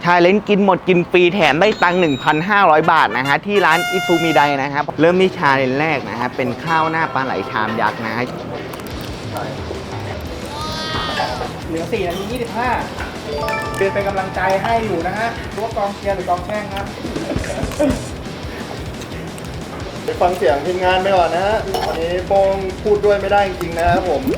ชาเลนจ์กินหมดกินฟรีแถมได้ตังค์ 1,500 บาทนะฮะที่ร้านอิฟูมิไดนะครับเริ่มที่ชาเลนจ์แรกนะฮะเป็นข้าวหน้าปลาไหลชามยักษ์นะฮะเหลือ4 นาที 25เป็นกำลังใจให้อยู่นะฮะรู้ว่ากองเชียร์หรือกองแช่งครับไปฟังเสียงทีมงานไปก่อนนะฮะวันนี้โป้งพูดด้วยไม่ได้จริงๆนะครับผม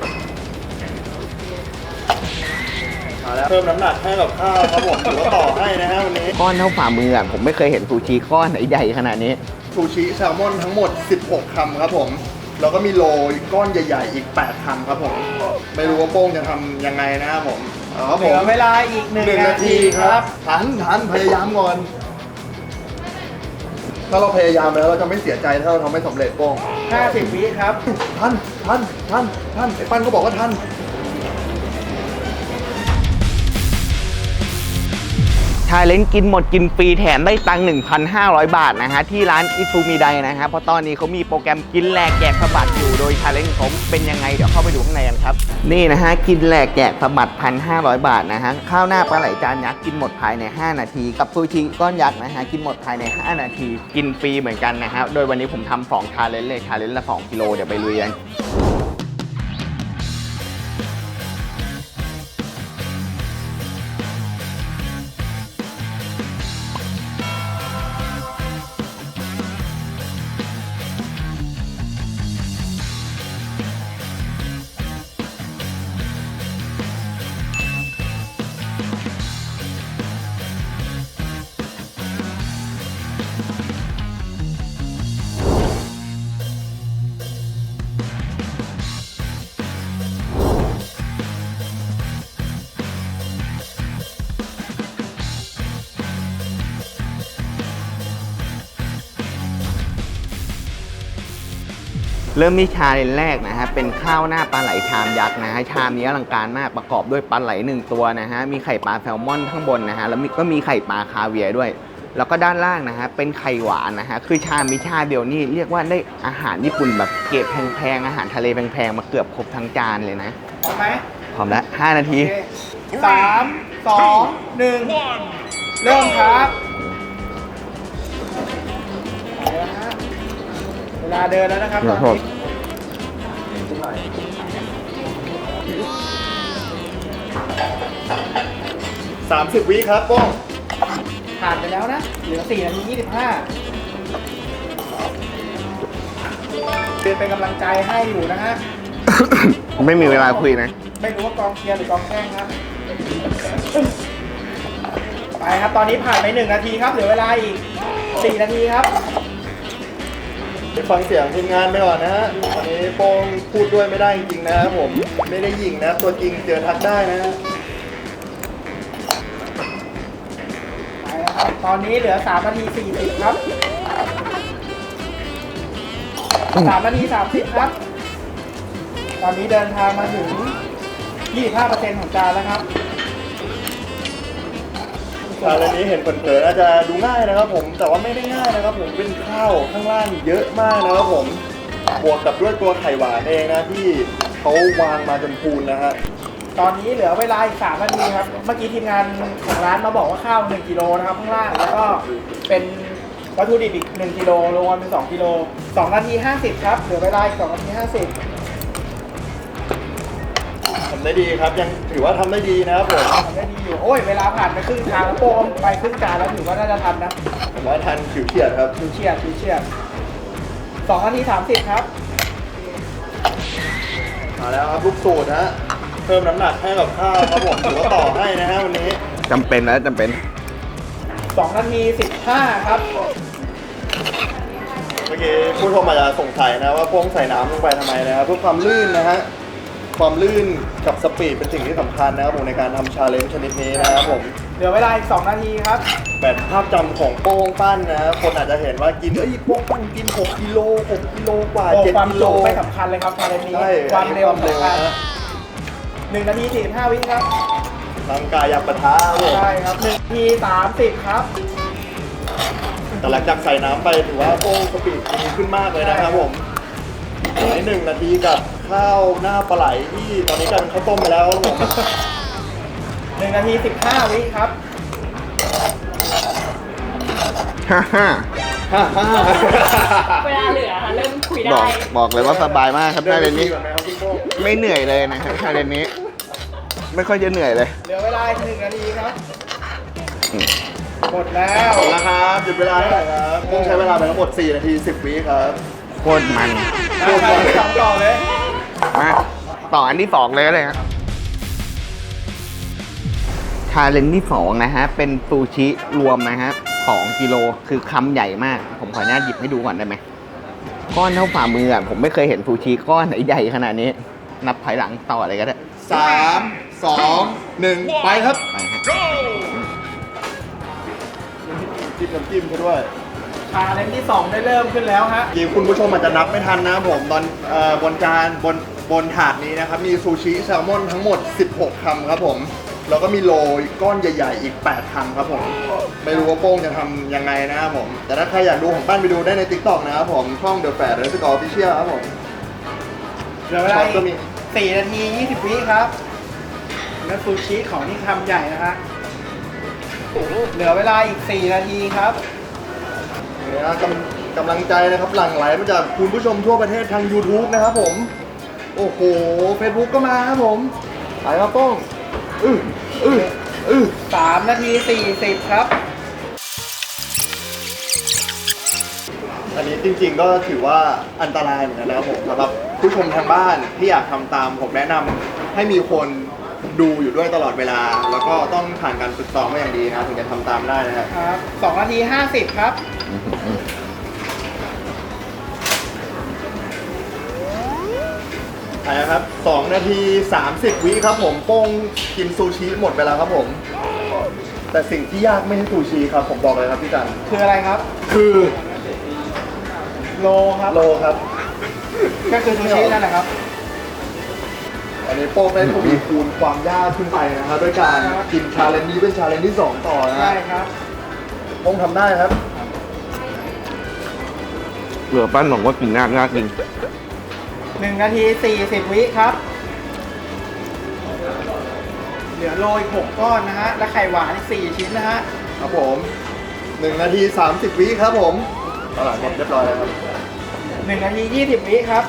มาแล้วเพิ่มน้ำหนักให้กับข้าวครับผมถือว่าต่อให้นะฮะวันนี้ก้อนเท่าฝ่ามืออ่ะผมไม่เคยเห็นซูชิก้อนไหนใหญ่ขนาดนี้ซูชิแซลมอนทั้งหมด16คำครับผมแล้วก็มีโรยก้อนใหญ่ๆอีก8คำครับผมไม่รู้ว่าโป้งจะทำยังไงนะครับผมเหลือเวลาอีก1 นาทีครับทันพยายามก่อนถ้าเราพยายามแล้วเราจะไม่เสียใจถ้าเราทำไม่สำเร็จโป้ง 50 วิครับทันไอ้ปั้นก็บอกว่าทันชาเลนจ์กินหมดกินฟรีแถมได้ตังค์ 1,500 บาทนะฮะที่ร้านอิฟูมิไดนะฮะเพราะตอนนี้เขามีโปรแกรมกินแหลกแจกสะบัดอยู่โดยชาเลนจ์เขาเป็นยังไงเดี๋ยวเข้าไปดูข้างในกันครับนี่นะฮะกินแหลกแจกสะบัด 1,500 บาทนะฮะข้าวหน้าปลาไหลจานยักษ์กินหมดภายใน5 นาทีกับซูชิก้อนยักษ์นะฮะกินหมดภายใน5 นาทีกินฟรีเหมือนกันนะฮะโดยวันนี้ผมทำ2ชาเลนจ์เลยชาเลนจ์ละ2 กิโลเดี๋ยวไปลุยกันเริ่มที่ชาเลนจ์แรกนะฮะเป็นข้าวหน้าปลาไหลชามยักษ์นะฮะชามนี้อลังการมากประกอบด้วยปลาไหล1 ตัวนะฮะมีไข่ปลาแซลมอนข้างบนนะฮะแล้วก็มีไข่ปลาคาเวียร์ด้วยแล้วก็ด้านล่างนะฮะเป็นไข่หวานนะฮะคือชามมีชาเดียวนี่เรียกว่าได้อาหารญี่ปุ่นแบบเกรดแพงๆอาหารทะเลแพงๆมาเกือบครบทั้งจานเลยนะพร้อมไหมพร้อมแล้ว5 นาที 3 2 1เริ่มครับเวลาเดินแล้วนะครับ 30 วิครับโป้งผ่านไปแล้วนะเหลือ4 นาที 25เป็นกำลังใจให้อยู่นะฮะไม่มีเวลาคุยนะไม่รู้ว่ากองเชียร์หรือกองแช่งครับไปครับตอนนี้ผ่านไป1 นาทีครับเหลือเวลาอีก4 นาทีครับไปฟังเสียงทีมงานไปก่อนนะฮะวันนี้โป้งพูดด้วยไม่ได้จริงๆนะครับผมไม่ได้ยิงนะตัวจริงเจอทักได้นะไปแล้วครับตอนนี้เหลือ3 นาที 40ครับ3 นาที 30ครับตอนนี้เดินทางมาถึง 25% ของจานแล้วครับชาเลนจ์นี้เห็นเผินๆอาจจะดูง่ายนะครับผมแต่ว่าไม่ได้ง่ายนะครับผมเป็นข้าวข้างล่างเยอะมากนะครับผมบวกกับด้วยตัวไข่หวานเองนะที่เขาวางมาจนพูนนะฮะตอนนี้เหลือเวลาอีก3 นาทีครับเมื่อกี้ทีมงานของร้านมาบอกว่าข้าว1 กิโลนะครับข้างล่างแล้วก็เป็นวัตถุดิบอีก1 กิโลรวมเป็น2 กิโล2 นาที 50ครับเหลือเวลาอีก2 นาที 50 ทำได้ดีครับยังถือว่าทำได้ดีนะครับผมทำได้ดีอยู่โอ้ยเวลาผ่านไปครึ่งทางแล้วโป้งไปครึ่งจานแล้วถือว่าน่าจะทันนะผมว่าทันฉิวเฉียดครับฉิวเฉียด2 นาที 30ครับมาแล้วครับลูกสูตรฮะเพิ่มน้ำหนักให้กับข้าวครับผมถือว่าต่อให้นะฮะวันนี้จำเป็นแล้วจำเป็น 2 นาที 15ครับเมื่อกี้ผู้ชมอาจจะสงสัยนะว่าโป้งใส่น้ำลงไปทำไมนะครับเพื่อความลื่นนะฮะความลื่นกับสปีดเป็นสิ่งที่สำคัญนะครับผมในการทำชาเลนจ์ชนิดนี้นะครับผมเหลือเวลาอีก2 นาทีครับแบบภาพจำของโป้งปั้นนะคนอาจจะเห็นว่ากินโป้งปั้นกิน6 กิโลกว่า7 กิโลไม่สำคัญเลยครับชาเลนจ์นี้ความเร็วสำคัญ1 นาที 45 วิครับร่างกายอยากปะทะใช่ครับ1 นาที 30ครับแต่หลังจากใส่น้ำไปถือว่าโป้งสปีดดีขึ้นมากเลยนะครับผมใน1 นาทีกับข้าวหน้าปลาไหลที่ตอนนี้กลายเป็นข้าวต้มไปแล้วครับผม 1 นาที 15 วิครับฮ่าฮ่าเวลาเหลือเริ่มคุยได้บอกเลยว่าสบายมากครับชาเลนจ์นี้ก่อนไหมครับพี่โป้งไม่เหนื่อยเลยนะครับชาเลนจ์นี้ ไม่ค่อยจะเหนื่อยเลยเหลือเวลาอีก1 นาทีครับ หมดแล้วหมดแล้วครับหยุดเวลาเท่าไหร่ครับโป้งใช้เวลาไปทั้งหมด4 นาที 10 วิครับโคตรมันสองต่อเลยมาต่ออันที่2เลยก็เลยครับชาเลนจ์ที่2นะฮะ เป็นซูชิรวมนะฮะ2 กิโล คือคำใหญ่มาก ผมขออนุญาตหยิบให้ดูก่อนได้ไหม ก้อนเท่าฝ่ามืออ่ะ ผมไม่เคยเห็นซูชิก้อนไหนใหญ่ขนาดนี้ นับถอยหลังต่ออะไรก็ได้ 3 2 1 ไปครับไปฮะจิ้มน้ำจิ้มเขาด้วยชาเลนจ์ที่ 2 ได้เริ่มขึ้นแล้วฮะทีคุณผู้ชมอาจจะนับไม่ทันนะผมตอนบนจานบนถาดนี้นะครับ มีซูชิแซลมอนทั้งหมด 16 คำครับผม แล้วก็มีโรยก้อนใหญ่ๆอีก 8 คำครับผม ไม่รู้ว่าโป้งจะทำยังไงนะครับผม แต่ถ้าใครอยากดูของปั้นไปดูได้ใน TikTok นะครับผม ช่อง The Fat Underscore Official ครับผมเหลือเวลาช็อตอีก็กมี 4 นาที 20 วิครับและซูชิของนี่คำใหญ่นะฮะ เหลือเวลาอีก 4 นาทีครับเนี่ยกำลังใจนะครับหลั่งไหลมาจากคุณผู้ชมทั่วประเทศทาง YouTube นะครับผม โอ้โห Facebook ก็มาครับผมไปครับโป้ง 3 นาที 40 ครับอันนี้จริงๆก็ถือว่าอันตรายเหมือนกันนะครับผมสำหรับผู้ชมทางบ้านที่อยากทำตามผมแนะนำให้มีคนดูอยู่ด้วยตลอดเวลา แล้วก็ต้องผ่านการฝึกซ้อมมาอย่างดีนะถึงจะทำตามได้นะครับครับ2 นาที 50 ครับไปครับ2 นาที 30 วิครับผมโป้งกินซูชิหมดไปแล้วครับผม แต่สิ่งที่ยากไม่ใช่ซูชิครับผมบอกเลยครับพี่จันคืออะไรครับคือโลครับโลครับก็คือซูชินั่นแหละครับอันนี้โป้งได้ทวีคูณความยากขึ้นไปนะครับด้วยการกินชาเลนจ์นี้เป็นชาเลนจ์ที่ 2 ต่อนะใช่ครับโป้งทำได้ครับเหลือปั้นบอกว่ากินยากยากจริง 1 นาที 40 วิครับ เหลือโรย6 ก้อนนะฮะ และไข่หวานอีก4 ชิ้นนะฮะครับผม1 นาที 30 วิครับผมตลาดหมดเรียบร้อยแล้วครับ 1 นาที 20 วิครับ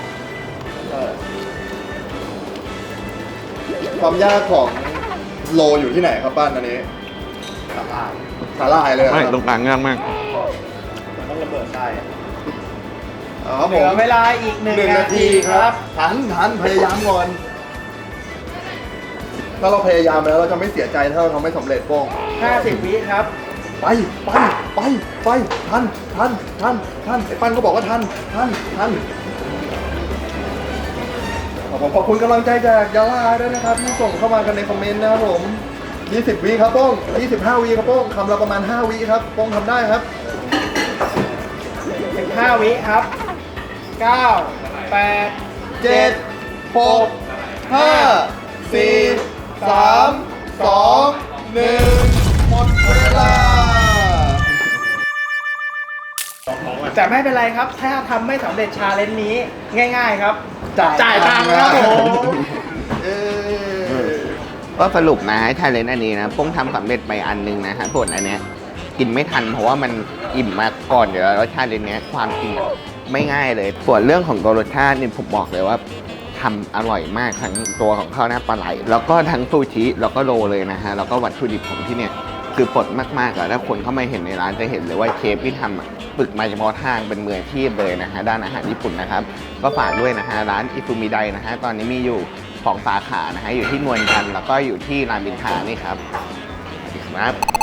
ความยากของโลอยู่ที่ไหนครับบ้านอันนี้สาลายเลยเหรอไม่ครับตรงกลางยากมากมันต้องระเบิดได้ครับเหผลืมอเวลาอีก 1 1 นานาทีทีคครัรับ บทันพยายามก่อน ถ้าเราพยายามแล้วเราจะไม่เสียใจถ้าเราทำไม่สำเร็จโป้ง 50 วิครับไปทันไอ้ปั้นก็บอกว่าทันขอบคุณกำลังใจจากยาลาด้วยนะครับที่ส่งเข้ามากันในคอมเมนต์นะครับผม20 วิครับโป้ง25 วิครับโป้งคำละประมาณ5 วิครับโป้งทำได้ครับ 15 วิครับ 9 8 7 6 5 4 3 2 1 หมดเวลาแต่ไม่เป็นไรครับ ถ้าทำไม่สำเร็จชาเลนจ์นี้ง่าย ๆ ครับ จ่ายตังค์คครัรับบ ผผม มก็สรุปนะฮะชาเลนจ์อันนี้นะโป้งทำสำเร็จไปอันหนึงนะฮะส่วนอันเนี้ยกินไม่ทันเพราะว่ามันอิ่มมาก่อนอยู่แล้วแล้วชาเลนจ์เนี้ยความจริงอะไม่ง่ายเลย ส่วนเรื่องของตัวรสชาตินี่ผมบอกเลยว่าทำอร่อยมากทั้งตัวของข้าวหน้าปลาไหล แล้วก็ทั้งซูชิแล้วก็โรเลยนะฮะแล้วก็วัตถุดิบของที่เนี่ยคือสดมากๆอะถ้าคนเข้ามาเห็นในร้านจะเห็นเลยว่าเชฟที่ทำอะฝึกมาเฉพาะทางเป็นมืออาชีพเลยนะฮะด้านอาหารญี่ปุ่นนะครับก็ฝากด้วยนะฮะร้านอิฟูมิไดนะฮะตอนนี้มีอยู่2 สาขานะฮะอยู่ที่นวลจันทร์แล้วก็อยู่ที่รามอินทรานี่ครับสวัสดีครับ